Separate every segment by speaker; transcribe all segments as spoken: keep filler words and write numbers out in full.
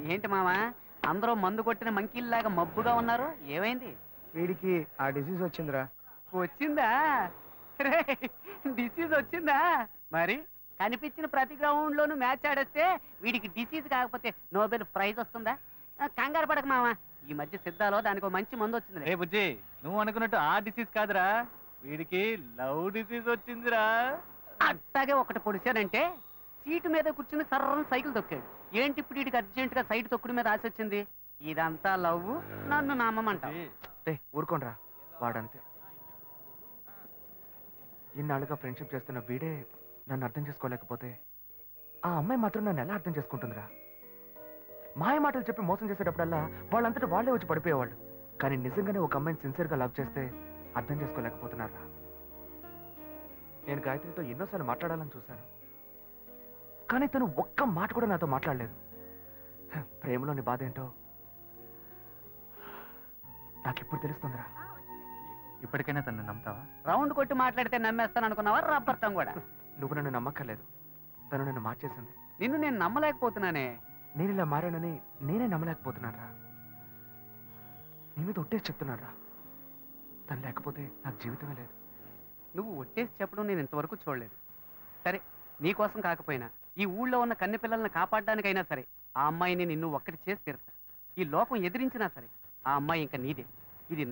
Speaker 1: ఏంటి మావా అందరూ మందు కొట్టిన మంకీల్లాగా మబ్బుగా ఉన్నారు? ఏమైంది?
Speaker 2: వీడికి ఆ డిసీజ్ వచ్చిందిరా.
Speaker 1: వచ్చిందా? డిసీజ్ వచ్చిందా? మరి కనిపించిన ప్రతి గ్రౌండ్ లోను మ్యాచ్ ఆడేస్తే వీడికి డిసీజ్ కాకపోతే నోబెల్ ప్రైజ్ వస్తుందా? కంగారు పడక మావా, ఈ మధ్య సిద్ధాలో దానికి ఒక మంచి మందు వచ్చింది.
Speaker 3: ఏ బుజ్జి, నువ్వు అనుకున్నట్టు ఆ డిసీజ్ కాదురా, వీడికి లవ్ డిసీజ్ వచ్చిందిరా.
Speaker 1: అట్టాగే ఒకటి పొడిచాడంటే సీటు మీద కూర్చుని సర్రం సైకిల్ తొక్కాడు. ఏంటి ఇప్పుడు వీడికి అర్జెంట్ గా సైడ్ తొక్కుడు మీద ఆశ వచ్చింది? ఇదంతా లవ్, నన్ను నమ్మమంట.
Speaker 2: ఊరుకోనరా, వాడంతే. ఇన్నాళ్ళుగా ఫ్రెండ్షిప్ చేస్తున్న వీడే నన్ను అర్థం చేసుకోలేకపోతే ఆ అమ్మాయి మాత్రం నన్ను ఎలా అర్థం చేసుకుంటుందిరా? మాయ మాటలు చెప్పి మోసం చేసేటప్పుడల్లా వాళ్ళంతటా వాళ్ళే వచ్చి పడిపోయేవాళ్ళు. కానీ నిజంగానే ఒక అమ్మాయిని సిన్సియర్గా లవ్ చేస్తే అర్థం చేసుకోలేకపోతున్నారా? నేను గాయత్రితో ఎన్నోసార్లు మాట్లాడాలని చూశాను, కానీ తను ఒక్క మాట కూడా నాతో మాట్లాడలేదు. ప్రేమలోని బాధ ఏంటో నాకెప్పుడు తెలుస్తుందిరా.
Speaker 3: ఇప్పటికైనా తను నమ్ముతావా?
Speaker 1: రౌండ్ కొట్టి మాట్లాడితే నమ్మేస్తాను అనుకున్నావా? రబ్బర్తం కూడా.
Speaker 2: నువ్వు నన్ను నమ్మక్కర్లేదు, తను నన్ను మార్చేసింది.
Speaker 1: నిన్ను నేను నమ్మలేకపోతున్నానే.
Speaker 2: నేను ఇలా మారానని నేనే నమ్మలేకపోతున్నారా? నీ మీద ఒట్టేసి చెప్తున్నారా, తను లేకపోతే నాకు జీవితమే లేదు.
Speaker 1: నువ్వు ఒట్టేసి చెప్పడం నేను ఇంతవరకు చూడలేదు. సరే, నీకోసం కాకపోయినా ఈ ఊళ్ళో ఉన్న కన్నె పిల్లల్ని కాపాడడానికైనా సరే ఆ అమ్మాయిని నిన్ను ఒక్కటి చేసి తీరుతా. ఈ లోకం ఎదిరించినా సరే ఆ అమ్మాయి ఇంకా నీదే. ఇది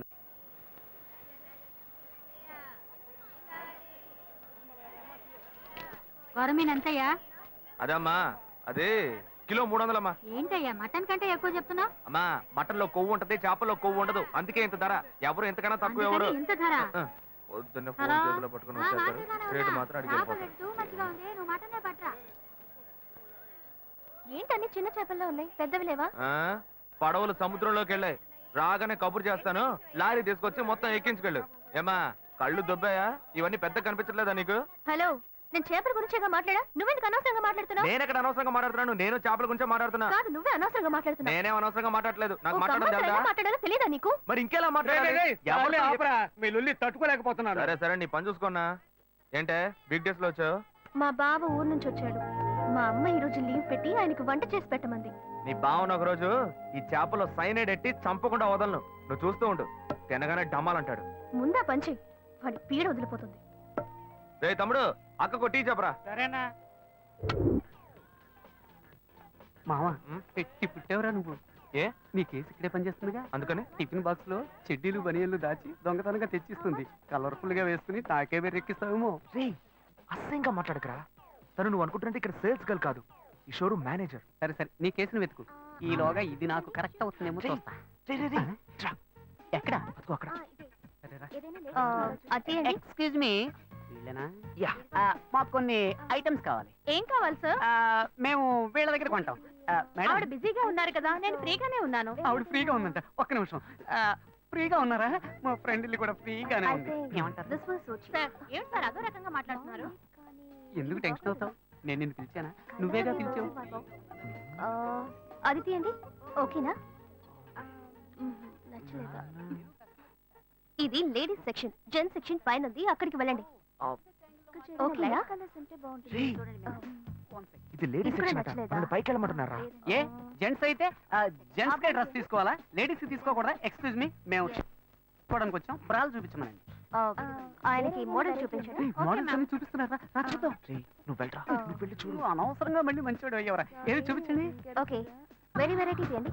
Speaker 4: ఎంతయ్యా?
Speaker 2: అదమ్మా, అదే కిలో మూడు వందలమ్మా.
Speaker 4: ఏంటయ్యా మటన్ కంటే ఎక్కువ చెప్తున్నా?
Speaker 2: అమ్మా, మటన్ లో కొవ్వు ఉంటది, చేపల్లో కొవ్వు ఉండదు, అందుకే ఇంత ధర. ఎవరు ఎంతకన్నా తక్కువ ఎవరు.
Speaker 4: ఇంత ధర?
Speaker 2: పొద్దున్నే ఫోన్ చేతిలో పట్టుకుని వచ్చేస్తారు, రేటు మాత్రం అడిగి.
Speaker 4: ఏంటన్ని చిన్న చేపల్లో ఉన్నాయి, పెద్దవి లేవా?
Speaker 2: పడవలు సముద్రంలోకి వెళ్ళాయి, రాగానే కబురు చేస్తాను, లారీ తీసుకొచ్చి మొత్తం ఎక్కించుకెళ్ళు. ఏమా, కళ్ళు దొబ్బాయా? ఇవన్నీ పెద్ద కనిపించట్లేదా నీకు?
Speaker 4: హలో, నేను చేపల గురించేగా మాట్లాడా, నువ్వెందుకు అనవసరంగా మాట్లాడుతున్నావు?
Speaker 2: నేను ఎక్కడ అనవసరంగా మాట్లాడుతున్నాను, నేను చేపల గురించే మాట్లాడుతున్నా.
Speaker 4: కాదు, నువ్వే అనవసరంగా మాట్లాడుతున్నావు.
Speaker 2: నేనేం అనవసరంగా మాట్లాడలేదు, నాకు మాట్లాడడం
Speaker 4: మాట్లాడాలో తెలియదా నీకు?
Speaker 2: మరి ఇంకెలా మాట్లాడాలి?
Speaker 1: తట్టుకోలేకపోతున్నాడు.
Speaker 2: సరే సరే, నీ పని చూసుకున్నా. ఏంటే బిగ్ డేస్ లో వచ్చావు?
Speaker 4: మా బావ ఊరు నుంచి వచ్చాడు, మా అమ్మ ఈ రోజు లీవ్ పెట్టి ఆయనకు వంట చేసి పెట్టమంది.
Speaker 2: నీ బావన ఒక రోజు ఈ చేపలో సైనైడ్ ఎట్టి చంపకుండా వదలను, నువ్వు చూస్తూ ఉండు, తినగానే డమ్మాలంటాడు.
Speaker 4: ముందా పంచి, వాడి పీడ వదిలిపోతుంది.
Speaker 2: రే తమ్ముడు, అక్కకు టీ చెప్పరా.
Speaker 1: సరేనా మావా, పెట్టి పుట్టేవరా నువ్వు? ఏ, నీ కేసు ఇక్కడే పనిచేస్తుందిగా, అందుకని టిఫిన్ బాక్స్ లో చెడ్డీలు బనియన్లు దాచి దొంగతనంగా తెచ్చిస్తుంది. కలర్ఫుల్ గా వేసుకుని తాకే బెర్రెక్కిస్తావేమో.
Speaker 2: రే, అసహ్యంగా మాట్లాడకరా. తను నువ్వు అనుకుంటుంటే ఇక్కడ సేల్స్ గర్ల్ కాదు, ఈ షోరూమ్ మేనేజర్.
Speaker 1: సరే సరే, నీ కేసును వెతుకు, ఈలోగా ఇది నాకు కరెక్ట్ అవుతుందేమో చూస్తా. ఎక్కడ? అక్కడ. ఎక్స్క్యూజ్ మీ, మాకు కొన్ని ఐటమ్స్ కావాలి.
Speaker 4: ఏం కావాలి సార్?
Speaker 1: మేము వీళ్ళ దగ్గర కొంటాం.
Speaker 4: ఆవిడ బిజీగా ఉన్నారు కదా, నేను ఫ్రీగానే ఉన్నాను.
Speaker 1: ఆవిడ ఫ్రీగా ఉందంట, ఒక్క నిమిషం. ఫ్రీగా ఉన్నారా? మా ఫ్రెండ్ ఇల్లు కూడా ఫ్రీగానే ఉంది. ఏమంటారు?
Speaker 4: ఏంటి సార్ అదో రకంగా మాట్లాడుతున్నారు?
Speaker 1: ఎందుకు టెన్షన్ అవుతావు? నేను నిన్ను పిలిచానా? నువ్వేగా పిలిచావు.
Speaker 4: అది తీయండి. ఓకేనా? నచ్చలేదా? ఇది లేడీస్ సెక్షన్, జెంట్స్ సెక్షన్ పైన ఉంది, అక్కడికి వెళ్ళండి. ఓకేనా?
Speaker 2: ఇది లేడీస్ సెక్షన్ అట, నన్ను పైకి వెళ్ళమంటున్నారా?
Speaker 1: ఏ, జెంట్స్ అయితే జెంట్స్ కే డ్రెస్ తీసుకోవాలా, లేడీస్ కి తీసుకోకూడదా? ఎక్స్క్యూజ్ మీ, మేము చూడడానికి వచ్చాం, బ్రాలు చూపించమనండి.
Speaker 4: ఆయనకి మోడల్ చూపించండి.
Speaker 1: మోడల్స్ అన్ని చూపిస్తున్నారా? చూద్దాం.
Speaker 2: నువ్వు వెళ్ళరా, నువ్వు వెళ్ళి చూడు.
Speaker 1: అనవసరంగా మళ్ళీ మంచివాడు అయ్యేవరా. ఏది చూపించండి.
Speaker 4: ఓకే, వెరీ వెరైటీ తీయండి.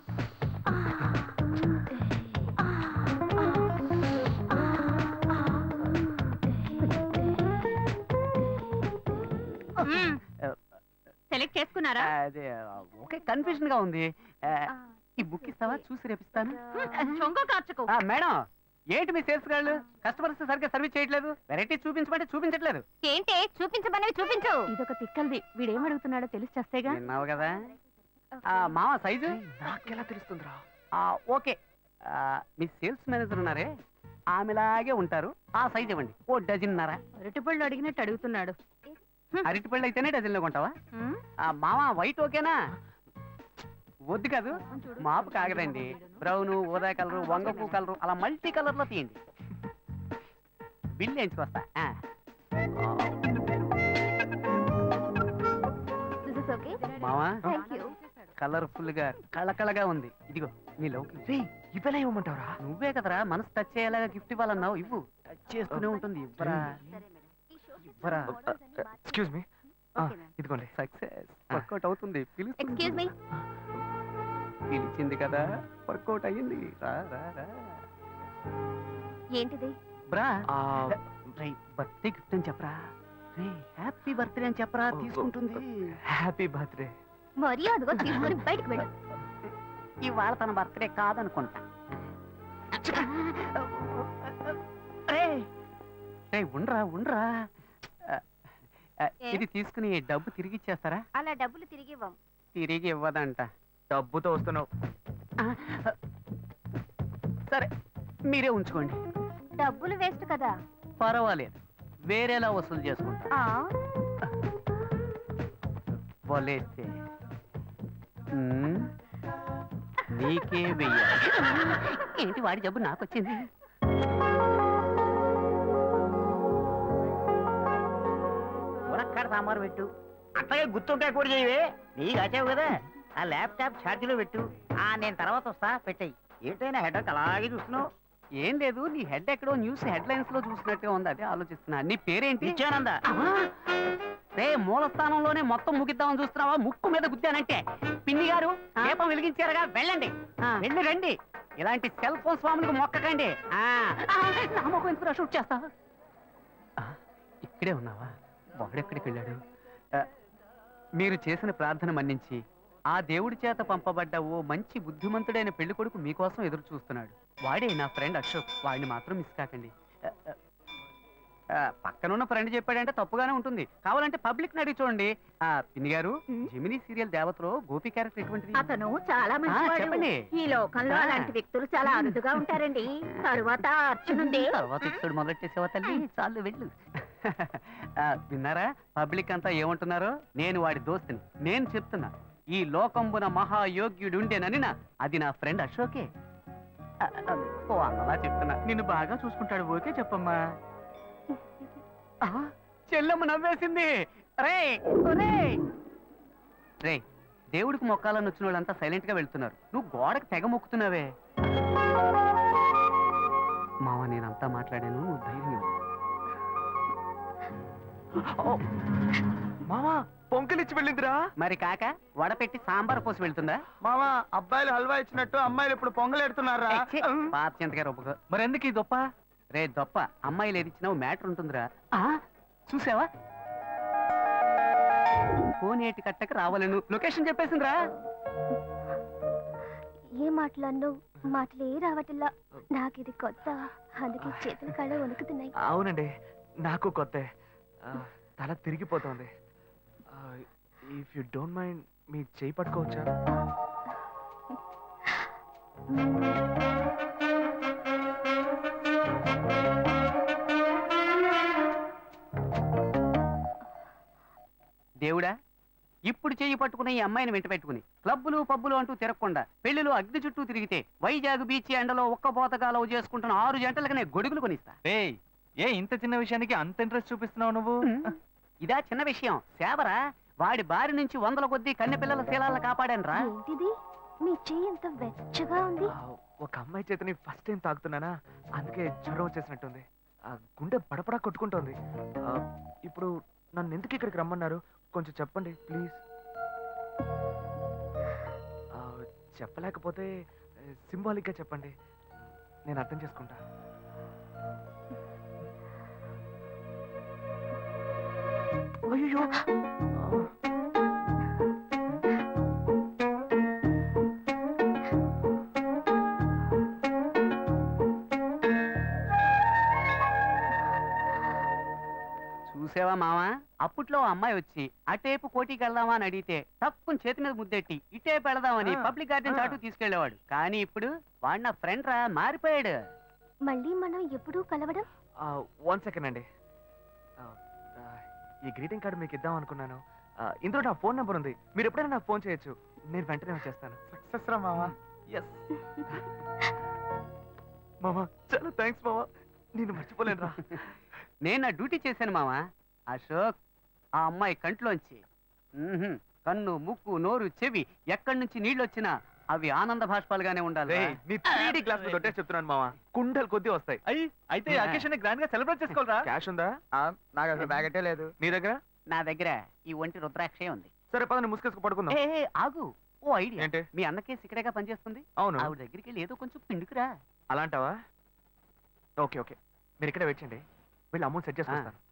Speaker 4: సెలెక్ట్ చేసుకున్నారా?
Speaker 1: అదే ఓకే, కన్ఫ్యూజన్ గా ఉంది. ఈ బుక్ ఇస్తావా? చూసి రేపిస్తాను. మేడం, ఏంటి మీ సేల్స్ గాళ్ళు కస్టమర్స్ సరిగ్గా సర్వీస్ చేయట్లేదు? వెరైటీ చూపించమంటే చూపించట్లేదు.
Speaker 4: ఏంటి చూపించమనేవి చూపించు. ఇదొక తిక్కల్ది, వీడేం అడుగుతున్నాడో తెలిసి చేస్తేగా.
Speaker 1: విన్నావు కదా. మామ సైజు
Speaker 2: నాకెలా తెలుస్తుందిరా?
Speaker 1: ఓకే, మీ సేల్స్ మేనేజర్ ఉన్నారే, ఆమెలాగే ఉంటారు, ఆ సైజ్ ఇవ్వండి. ఓ డజన్ ఉన్నారా?
Speaker 4: అరటిపళ్ళు అడిగినట్టు అడుగుతున్నాడు.
Speaker 1: అరటిపళ్ళు అయితేనే డజన్ లో కొంటావా? మామ వైట్ ఓకేనా? వద్దు కాదు, మాపు కాగదండి. బ్రౌన్, ఊదా కలరు, వంగపూ కలరు, అలా మల్టీ కలర్ లో తీయండి. బిల్ వేయించుకొస్తా. మావా, కలర్ఫుల్ గా కళకళగా ఉంది. ఇదిగో నీ లవ్
Speaker 2: రే ఇవ్వలే ఇవ్వమంటావరా?
Speaker 1: నువ్వే కదరా మనసు టచ్ అయ్యేలాగా గిఫ్ట్ ఇవ్వాలన్నావు. ఇవ్వు. టచ్ చేస్తూనే ఉంటుంది. ఇవ్వరా ఇవ్వరా.
Speaker 2: ఎక్స్క్యూజ్ మీ, ఇదిగోండి.
Speaker 1: సక్సెస్. వర్కౌట్ అవుతుంది.
Speaker 4: Excuse me.
Speaker 1: పిలిచింది కదా, వర్కౌట్ అయ్యింది. రా రా రా.
Speaker 4: ఏంటిది?
Speaker 1: బ్రా
Speaker 2: ఆ,
Speaker 1: రే బర్త్డే గిఫ్ట్ అని చెప్పరా. రే హ్యాపీ బర్త్డే అని చెప్పరా, తీసుకుంటుంది.
Speaker 2: Happy birthday.
Speaker 4: మర్యాదగా తీసుకొని బయటకు వెళ్ళు.
Speaker 1: ఇవాళ తన బర్త్డే కాదనుకుంటా. రే రే ఉండ్రా ఉండ్రా. ఆ, ఇది తీసుకుని డబ్బు తిరిగి ఇచ్చేస్తారా?
Speaker 4: అలా డబ్బులు తిరిగి ఇవ్వం.
Speaker 1: తిరిగి ఇవ్వదంట.
Speaker 2: డబ్బుతో వస్తున్నావు.
Speaker 1: సరే మీరే ఉంచుకోండి.
Speaker 4: డబ్బులు వేస్ట్ కదా.
Speaker 1: పర్వాలేదు, వేరేలా వసూలు చేసుకుంటా.
Speaker 4: ఆ
Speaker 1: వలేస్తే ఉమ్, నీకే వెయ్యాలి. ఏంటి వాడి జబ్బు నాకు వచ్చింది?
Speaker 5: మునక్కాడ సాంబారు పెట్టు. అట్లాగే గుర్తుంటే కూడా చేయవే. నీ కాచావు కదా, ఆ ల్యాప్టాప్ ఛార్జీలో పెట్టు. ఆ నేను తర్వాత వస్తా, పెట్టాయి. ఏంటైనా హెడ్ అలాగే చూస్తున్నావు.
Speaker 1: ఏం లేదు, నీ హెడ్ ఎక్కడో న్యూస్ హెడ్ లైన్స్ లో చూసినట్టుగా ఉంది, అదే ఆలోచిస్తున్నా. నీ పేరేంటి?
Speaker 5: నిత్యానంద.
Speaker 1: రే మూల స్థానంలోనే మొత్తం ముగిద్దామని చూస్తున్నావా? ముక్కు మీద గుద్దానంటే. పిన్ని గారు దీపం వెలిగించారుగా, వెళ్ళండి. వెళ్ళి రండి. ఇలాంటి సెల్ ఫోన్ స్వాములకు మొక్కకండి. ఆ, ఆ, నా మొక్క ఎందుకు షూట్ చేస్తా? ఆ, ఇక్కడే ఉన్నావా? వాడెక్కడికి వెళ్ళాడు? ఆ, మీరు చేసిన ప్రార్థన మన్నించి ఆ దేవుడి చేత పంపబడ్డ ఓ మంచి బుద్ధిమంతుడైన పెళ్లి కొడుకు మీకోసం ఎదురు చూస్తున్నాడు. వాడే నా ఫ్రెండ్ అశోక్. వాడిని మాత్రం మిస్ కాకండి. ఆ, ఆ, ఆ, పక్కనున్న ఫ్రెండ్ చెప్పాడంటే తప్పుగానే ఉంటుంది. కావాలంటే పబ్లిక్ ని అడిగి చూడండి. ఆ పిన్ని గారు, జెమినీ సీరియల్ దేవతలో గోపి క్యారెక్టర్ ఎటువంటిది?
Speaker 6: అతను చాలా
Speaker 1: ఆ,
Speaker 6: మంచివాడు.
Speaker 1: చెప్పండి.
Speaker 6: ఈ లోకంలో
Speaker 1: ఆ.
Speaker 6: అలాంటి వ్యక్తులు చాలా అరుదుగా ఉంటారండి. తరువాత అర్చునుంది.
Speaker 1: తర్వాత ఎపిసోడ్ మొదలెట్టేసేవా తల్లి? చాలు వెళ్ళు. ఆ, విన్నారా పబ్లిక్ అంతా ఏమంటున్నారో? నేను వాడి దోస్తుని. నేను చెప్తున్నా, ఈ లోకంబున మహాయోగ్యుడుండేనని నా అది నా ఫ్రెండ్ అశోకే. ఆ, ఆ, ఓ అలా చెప్తున్నా.
Speaker 3: నిన్ను బాగా చూసుకుంటాడు. ఓకే చెప్పమ్మా.
Speaker 1: ఆ, చెల్లెమ్మ నవ్వేసింది. రే రే రే దేవుడికి మొక్కాలని వచ్చిన వాళ్ళంతా సైలెంట్ గా వెళ్తున్నారు. నువ్వు గోడకు తెగ మొక్కుతున్నావే. మావా నేనంతా మాట్లాడాను, నువ్వు ధైర్యం ఇవ్వు.
Speaker 2: మామా పొంకలిచ్చి వెళ్ళిందిరా.
Speaker 1: మరి కాక వడపెట్టి సాంబార్ పోసి వెళ్తుందా?
Speaker 3: మామా అబ్బాయిలు హల్వా ఇచ్చినట్టు అమ్మాయిలు ఇప్పుడు పొంగలెడుతున్నారా?
Speaker 1: ఏ, ఛీ, పాత చింతకాయ రొప్పకు.
Speaker 3: మరి ఎందుకు ఈ గొప్ప?
Speaker 1: రే దొప్ప, అమ్మాయిలు ఏది ఇచ్చినా మ్యాటర్ ఉంటుందిరా. ఆ, చూసావా? కోనేటి కట్టకు రావాలను లొకేషన్ చెప్పేసిందిరా.
Speaker 4: ఏ మాట్లాడినో మాటలే రావట్లా. నాకు ఇది కొత్త, అందుకే చేతులు కళ్ళు వణుకుతున్నాయి.
Speaker 2: అవునండి, నాకు కొత్త. తల తిరిగిపోతుంది. ఇఫ్ యు డోంట్ మైండ్ మీ చేయి పట్టుకోవచ్చా?
Speaker 1: దేవుడా, ఇప్పుడు చెయ్యి పట్టుకుని ఈ అమ్మాయిని వెంట పెట్టుకుని క్లబ్బులు పబ్బులు అంటూ తిరగకుండా పెళ్లిలో అగ్ని చుట్టూ తిరిగితే వైజాగ్ బీచ్ ఎండలో ఒక్క పోతగా లవ్ చేసుకుంటున్న ఆరు జంటలకు నేను గొడుగులు కొనిస్తా.
Speaker 3: ఏయ్, ఏ ఇంత చిన్న విషయానికి అంత ఇంట్రెస్ట్ చూపిస్తున్నావు నువ్వు?
Speaker 1: ఇదా చిన్న విషయం? సేవరా. వాడి బారి నుంచి వందల కొద్దీ కన్నె పిల్లల శీలాలను కాపాడాను రా.
Speaker 4: ఏంటిది? మీ చెయ్యి ఎంత వెచ్చగా ఉంది.
Speaker 2: ఆ, ఒక అమ్మాయి చేతని ఫస్ట్ టైం తాగుతున్నానా, అందుకే జ్వరం వచ్చేసినట్టుంది. ఆ, గుండె పడపడా కొట్టుకుంటోంది. ఆ, ఇప్పుడు నన్ను ఎందుకు ఇక్కడికి రమ్మన్నారు? కొంచెం చెప్పండి ప్లీజ్. చెప్పలేకపోతే సింబాలిక్గా చెప్పండి, నేను అర్థం చేసుకుంటా. అయ్యో,
Speaker 1: చూసావా మావా, అప్పట్లో ఆ అమ్మాయి వచ్చి అటేపు కోటికి వెళ్దామా అని అడిగితే తక్కువ చేతి మీద ముద్దెట్టి ఇటేపు వెళదామని
Speaker 3: ఆ,
Speaker 1: పబ్లిక్ గార్డెన్
Speaker 3: ఆ.
Speaker 1: చాటు తీసుకెళ్లేవాడు. కానీ ఇప్పుడు వాడు నా ఫ్రెండ్ రా, మారిపోయాడు.
Speaker 4: మళ్ళీ మనం ఎప్పుడూ కలవడం?
Speaker 2: వన్ సెకండ్ అండి. ఆ, ఆ, ఈ గ్రీటింగ్ కార్డు మీకు ఇద్దాం అనుకున్నాను. ఆ, ఇందులో నా ఫోన్ నెంబర్ ఉంది, మీరు ఎప్పుడైనా నాకు ఫోన్ చేయొచ్చు, నేను వెంటనే వచ్చేస్తాను.
Speaker 3: సక్సెస్ రా మావా.
Speaker 2: ఎస్ మామా, చాలా థ్యాంక్స్ మామా, నేను మర్చిపోలేను రా.
Speaker 1: నేను నా డ్యూటీ చేశాను మావా. అశోక్, ఆ అమ్మాయి కంట్లోంచి మ్మ్హ్మ్, కన్ను ముక్కు నోరు చెవి ఎక్కడి నుంచి నీళ్ళు వచ్చినా అవి ఆనంద భాష్పాలుగానే ఉండాలి
Speaker 2: రేయ్, నీ త్రీ డి క్లాస్ మీద కొట్టేసి చెప్తున్నాను మావా, కుండలు కొద్దీ వస్తాయి.
Speaker 3: అయ్యి అయితే అకేషన్ గ్రాండ్ గా సెలబ్రేట్ చేసుకోవాలరా.
Speaker 2: క్యాష్ ఉందా?
Speaker 5: నాకు అసలు బ్యాగెటే లేదు.
Speaker 2: నీ దగ్గర?
Speaker 1: నా దగ్గర ఈ ఒంటి రుద్రాక్షే ఉంది.
Speaker 2: సరే పదని ముసుకేసుకు పడుకుందాం.
Speaker 1: ఏ ఏ, ఆగు, ఓ ఐడియా.
Speaker 2: ఏంటి?
Speaker 1: మీ అన్నకే సిక్కడేగా పనిచేస్తుంది.
Speaker 2: అవును.
Speaker 1: ఆవిడ దగ్గరికి వెళ్ళి ఏదో కొంచెం పిండుకురా.
Speaker 2: అలాంటావా? ఓకే ఓకే, మీరు ఇక్కడే వెయిట్ చేయండి, వెళ్ళి అమౌంట్ సెట్ చేసుకొస్తాను.